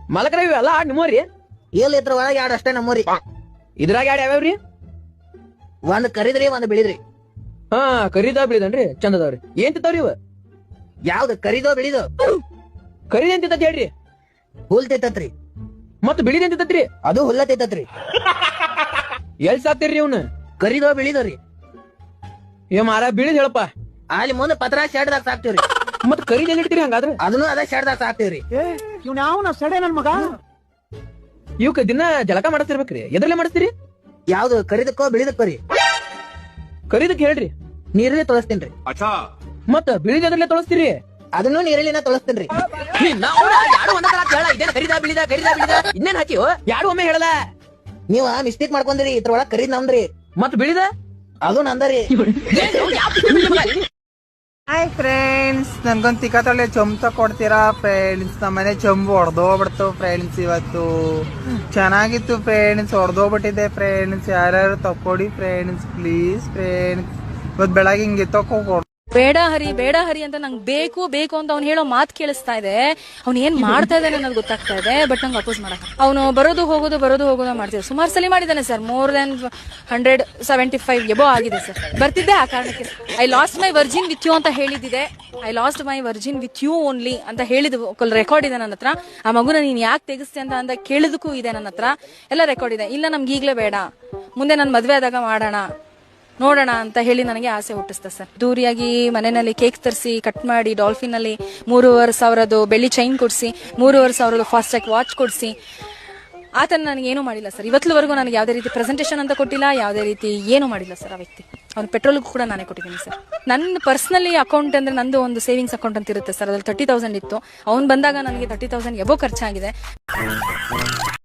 ಮಲಕರ ಇವೆಲ್ಲ ನಿಮ್ಮವ್ರಿ ಎಲ್ಲಿ ಇದ್ರ ಒಳಗೆ ಎರಡು ಅಷ್ಟೇ ನಮ್ಮೂರಿ. ಇದ್ರಾಗ ಯಾವ್ಯಾವ್ರಿ? ಒಂದ್ ಕರಿದ್ರಿ ಒಂದ್ ಬಿಳಿದ್ರಿ. ಹಾ ಕರಿದ ಬಿಳಿದನ್ರಿ ಚಂದದವ್ರಿ. ಏನ್ ತಿಂತಾವ್ರಿ ಇವ? ಯಾವ್ದು ಕರಿದೋ ಬಿಳಿದೋ? ಕರಿದ ಏನ್ ತಿಂತತ್ ಹೇಳ್ರಿ? ಹುಲ್ ತಿಂತತ್ರಿ. ಮತ್ ಬಿಳಿದ ಏನ್ ತಿಂತತ್ರಿ? ಅದು ಹುಲ್ಲ ತಿಂತತ್ರಿ. ಎಲ್ ಸಾಕ್ತಿರ್ರಿ ಅವ್ನ? ಕರಿದೋ ಬಿಳಿದೋ ರೀ. ಏ ಮಾರ ಬಿಳಿದ್ ಹೇಳಪ್ಪ. ಅಲ್ಲಿ ಮುಂದೆ ಪತ್ರ ಶೆಡ್ದಾಗ ಸಾಕ್ತಿವ್ರಿ. ಮತ್ ಕರಿದ ಎಲ್ಲಿ ಇಡ್ತೀರಿ ಹಂಗಾದ್ರೆ? ಅದನ್ನು ಅದೇ ಶೆಡ್ದಾಗ ಸಾಕ್ತಿವ್ರಿ. ಇವ್ನ ಯಾವ ಸಡೆ ನನ್ ಮಗ. ಇವಕ್ ದಿನ ಜಳಕ ಮಾಡಿಸ್ತಿರ್ಬೇಕ್ರಿ. ಎದ್ರಲ್ಲೇ ಮಾಡಿಸ್ತೀರಿ? ಯಾವ್ದು ಕರಿದಕ್ಕೋ ಬಿಳಿದಕ್ಕೋ ರೀ? ಕರಿದಕ್ ಹೇಳ್ರಿ. ನೀರಲ್ಲಿ ತೊಳಸ್ತೀನ್ರಿ. ಮತ್ತ ಬಿಳಿದ ಎದ್ರಲ್ಲೇ ತೊಳಸ್ತೀರಿ? ಅದನ್ನು ನೀರಲ್ಲಿನ ತೊಳಸ್ತೀನ್ರಿ. ಇನ್ನೇನ್ ಹಾಕಿ ಯಾರು ಒಮ್ಮೆ ಹೇಳಲ್ಲ. ನೀವ ಮಿಸ್ಟೇಕ್ ಮಾಡ್ಕೊಂಡ್ರಿ. ಇದ್ರೊಳಗ ಕರಿದ್ ನಮ್ದ್ರಿ. ಮತ್ ಬಿಳಿದ ಅದು ನಂದರಿ. ಹಾಯ್ ಫ್ರೆಂಡ್ಸ್, ನನ್ಗೊಂದು ತಿಕ್ಕತ್ತೊಳ್ಳೆ ಚೊಂಬ ಕೊಡ್ತೀರಾ ಫ್ರೆಂಡ್ಸ್? ನಮ್ಮನೆ ಚೊಂಬು ಹೊಡೆದೋಗ್ಬಿಡ್ತು ಫ್ರೆಂಡ್ಸ್. ಇವತ್ತು ಚೆನ್ನಾಗಿತ್ತು ಫ್ರೆಂಡ್ಸ್, ಹೊಡೆದೋಗ್ಬಿಟ್ಟಿದೆ ಫ್ರೆಂಡ್ಸ್. ಯಾರ್ಯಾರು ತಕ್ಕೊಡಿ ಫ್ರೆಂಡ್ಸ್ ಪ್ಲೀಸ್ ಫ್ರೆಂಡ್ಸ್. ಇವತ್ತು ಬೆಳಗ್ಗೆ ಹಿಂಗೆ ತಕೋ. ಬೇಡ ಹರಿ ಅಂತ ನಂಗೆ ಬೇಕು ಬೇಕು ಅಂತ ಅವ್ನು ಹೇಳೋ ಮಾತು ಕೇಳಿಸ್ತಾ ಇದೆ. ಅವ್ನು ಏನ್ ಮಾಡ್ತಾ ಇದ್ದಾನೆ ಅನ್ನೋದು ಗೊತ್ತಾಗ್ತಾ ಇದೆ. ಬಟ್ ನಂಗೆ ಅಪೋಸ್ ಮಾಡಕ್ ಅವನು ಬರೋದು ಹೋಗೋದು ಮಾಡ್ತಿದ್ದೆ. ಸುಮಾರು ಸಲ ಮಾಡಿದ್ದಾನೆ ಸರ್. ಮೋರ್ ದೆನ್ 175 ಎಬೋ ಆಗಿದೆ ಸರ್. ಬರ್ತಿದ್ದೆ ಆ ಕಾರಣಕ್ಕೆ. I lost my virgin with you ಅಂತ ಹೇಳಿದ್ದಿದೆ. I lost my virgin with you only ಅಂತ ಹೇಳಿದ ರೆಕಾರ್ಡ್ ಇದೆ ನನ್ನ ಹತ್ರ. ಆ ಮಗುನ ನೀನ್ ಯಾಕೆ ತೆಗಿಸ್ತೆ ಅಂತ ಕೇಳಿದಕ್ಕೂ ಇದೆ ನನ್ನ ಹತ್ರ. ಎಲ್ಲ ರೆಕಾರ್ಡ್ ಇದೆ. ಇಲ್ಲ ನಮ್ಗೆ ಈಗ್ಲೇ ಬೇಡ, ಮುಂದೆ ನಾನು ಮದ್ವೆ ಆದಾಗ ಮಾಡೋಣ ನೋಡೋಣ ಅಂತ ಹೇಳಿ ನನಗೆ ಆಸೆ ಹುಟ್ಟಿಸ್ತಾ ಸರ್. ದೂರಿಯಾಗಿ ಮನೆಯಲ್ಲಿ ಕೇಕ್ ತರಿಸಿ ಕಟ್ ಮಾಡಿ ಡಾಲ್ಫಿನ್ ಅಲ್ಲಿ 3,500 ಬೆಳ್ಳಿ ಚೈನ್ ಕೊಡಿಸಿ 3,500 ಫಾಸ್ಟ್ ಟ್ರ್ಯಾಕ್ ವಾಚ್ ಕೊಡಿಸಿ ಆತನ ನನಗೆ ಏನೂ ಮಾಡಿಲ್ಲ ಸರ್. ಇವತ್ತುವರೆಗೂ ನನಗೆ ಯಾವುದೇ ರೀತಿ ಪ್ರೆಸೆಂಟೇಷನ್ ಅಂತ ಕೊಟ್ಟಿಲ್ಲ, ಯಾವುದೇ ರೀತಿ ಏನೂ ಮಾಡಿಲ್ಲ ಸರ್. ಆ ವ್ಯಕ್ತಿ ಅವ್ನು ಪೆಟ್ರೋಲ್ಗೂ ಕೂಡ ನಾನೇ ಕೊಟ್ಟಿದ್ದೀನಿ ಸರ್. ನನ್ನ ಪರ್ಸನಲಿ ಅಕೌಂಟ್ ಅಂದ್ರೆ ನಂದು ಒಂದು ಸೇವಿಂಗ್ಸ್ ಅಕೌಂಟ್ ಅಂತ ಇರುತ್ತೆ ಸರ್. ಅದ್ರಲ್ಲಿ 30,000 ಇತ್ತು. ಅವ್ನು ಬಂದಾಗ ನನಗೆ 30,000 ಎಬೋ ಖರ್ಚಾಗಿದೆ.